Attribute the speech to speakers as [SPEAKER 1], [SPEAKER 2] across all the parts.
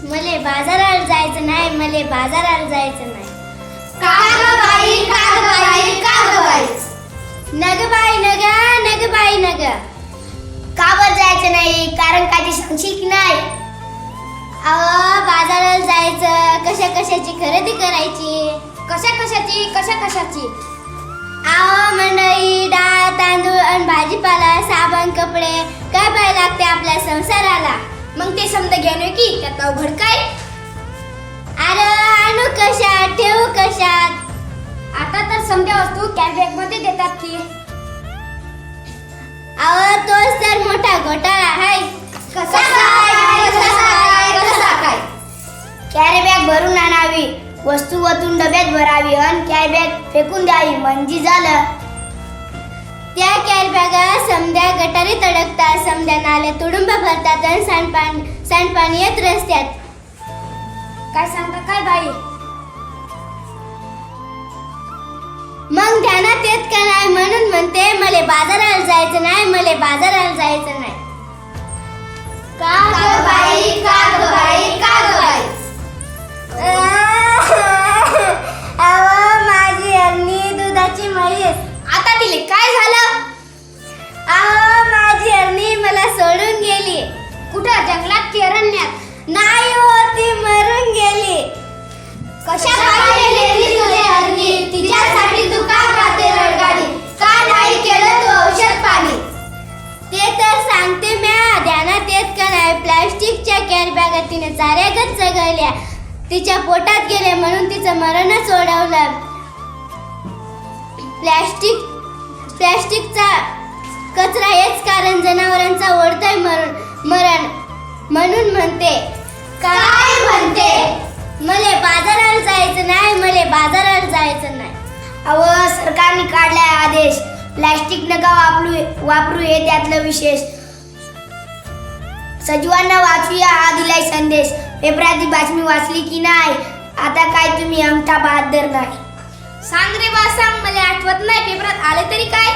[SPEAKER 1] मले बाजाराला जायचं नाही, मले बाजाराला जायचं नाही.
[SPEAKER 2] का ग बाई, का ग बाई, का ग बाई?
[SPEAKER 1] नग बाई नग, नग बाई नग.
[SPEAKER 2] का बरं जायचं नाही? कारण काय ते सांगशील की नाही?
[SPEAKER 1] अहो बाजाराला जायचं, कशा कशाची खरेदी करायची.
[SPEAKER 2] कशा कशाची?
[SPEAKER 1] अहो मंडळी, डाळ तांदूळ आणि भाजीपाला, साबण, कपडे काय पाय लागते आपल्या संसाराला.
[SPEAKER 2] मग ते समजा घेणे की त्यात अवघड काय?
[SPEAKER 1] अरे आणू कशात, ठेवू कशात.
[SPEAKER 2] आता तर समजा वस्तू कॅरी बॅग मध्ये देतात की.
[SPEAKER 1] अहो तोच तर मोठा घोटाळा आहे.
[SPEAKER 2] कसा काय? कॅरी बॅग भरून आणावी, वस्तू वतून डब्यात भरावी आणि कॅरी बॅग फेकून द्यावी म्हणजे झालं.
[SPEAKER 1] त्या कॅरी बॅगा समद्या गटारीत अडकतात, समद्या नाले तुडुंब भरतात आणि सांडपाणी येत रस्त्यात.
[SPEAKER 2] काय सांगता काय बाई?
[SPEAKER 1] मग ध्यानात येत का नाही म्हणून म्हणते मले बाजाराला जायचं नाही, मले बाजाराला जायचं नाही.
[SPEAKER 2] का ग बाई, का ग बाई, का ग बाई?
[SPEAKER 1] अहो माझी अन्नी दुधाची म्हैस.
[SPEAKER 2] आता तिले काय झालं?
[SPEAKER 1] अहो माझी अन्नी मला सोडून गेली.
[SPEAKER 2] कुठं, जंगलात की अरण्यात?
[SPEAKER 1] नाही हो, ती मरून गेली.
[SPEAKER 2] कशासाठी गेली तुझे हरणी? तिच्यासाठी तू का खाते रडगाडी? का नाही केलं तू औषध पाणी?
[SPEAKER 1] ते तर सांगते म्या, ध्यानात येत का नाही. प्लास्टिकच्या कॅरी बॅगा तिने चाऱ्यागत चघळल्या, तिच्या पोटात गेले म्हणून तिचं मरणच ओढवलं. प्लास्टिकचा कचरा हेच कारण जनावरांचा ओढतोय मरण. म्हणून म्हणते.
[SPEAKER 2] काय म्हणते?
[SPEAKER 1] मले बाजाराला जायचं नाही, मले बाजाराला जायचं नाही.
[SPEAKER 2] अहो सरकारने काढलाय आदेश, प्लास्टिक नका वापरू हे त्यातलं विशेष. सजीवांना वाचूया हा दिलाय संदेश. पेपरात बातमी वाचली की नाही? आता काय तुम्ही आमचा बहादर नाही? सांग रे बा सांग, मला आठवत नाही. पेपरात आले तरी काय?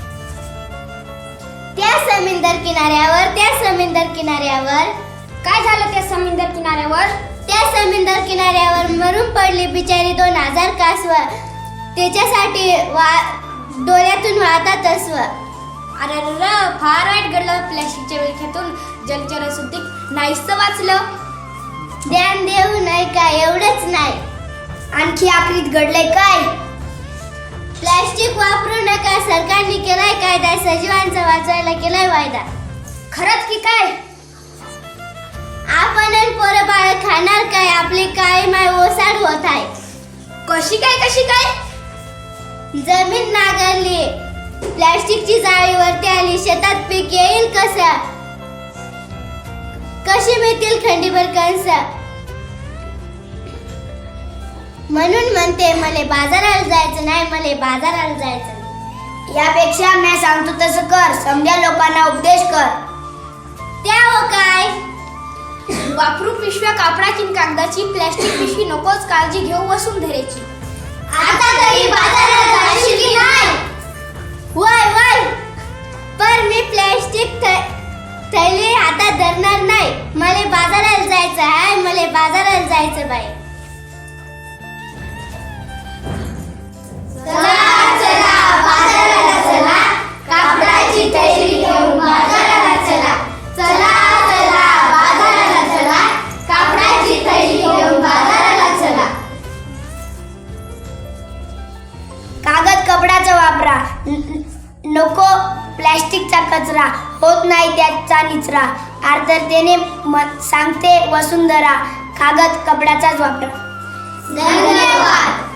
[SPEAKER 1] त्या समुद्र किनाऱ्यावर
[SPEAKER 2] काय झालं त्या समुद्र किनाऱ्यावर?
[SPEAKER 1] त्या समुद्र किनाऱ्यावर मरून पडली बिचारी 2000 कासव. त्याच्यासाठी डोळ्यातून वाहतात अस्व.
[SPEAKER 2] अरे फार वाईट घडलं. प्लास्टिकच्या विळख्यातून जलचर सुद्धा नाहीच वाचलं.
[SPEAKER 1] ध्यान देऊ नये का, एवढंच नाही.
[SPEAKER 2] आणखी आखरीत घडलंय काय?
[SPEAKER 1] प्लास्टिक वापरू नका, सरकारने केलाय कायदा, सजीवांचा वाचवायला केलाय वायदा.
[SPEAKER 2] खरंच की काय?
[SPEAKER 1] आपण पोरं बाळ खाणार काय, आपली काय माय ओसाड होत आहे.
[SPEAKER 2] कशी काय?
[SPEAKER 1] जमीन नांगरली, प्लास्टिकची जाळी वरती आली, शेतात पीक येईल कसं, कशी मिळतील खंडीभर कंस. म्हणून म्हणते मले बाजाराला जायचं नाही, मले बाजाराला जायचं नाही.
[SPEAKER 2] यापेक्षा मी सांगतो तसं कर, समजा लोकांना उपदेश कर.
[SPEAKER 1] त्या हो काय?
[SPEAKER 2] वापरू पिशव्या कापडाची कागदाची, प्लास्टिक पिशवी नकोच, काळजी घेऊ वसुंधरेची.
[SPEAKER 1] आता तरी बाजारात जाशील की नाही? वय पर मी प्लास्टिक थैली हातात धरणार नाही. मले बाजाराला जायचं आहे, मले बाजाराला जायचं बाई.
[SPEAKER 2] चला बाजाराला चला, कापडाची थैली घेऊन बाजाराला चला. चला बाजाराला चला, कापडाची थैली घेऊन बाजाराला चला. कागद कपडाचा वापरा, नको प्लास्टिकचा कचरा, होत नाही त्याचा निचरा. आर्द्रतेने सांगते वसुंधरा, कागद कपडाचाच वापरा.
[SPEAKER 1] धन्यवाद.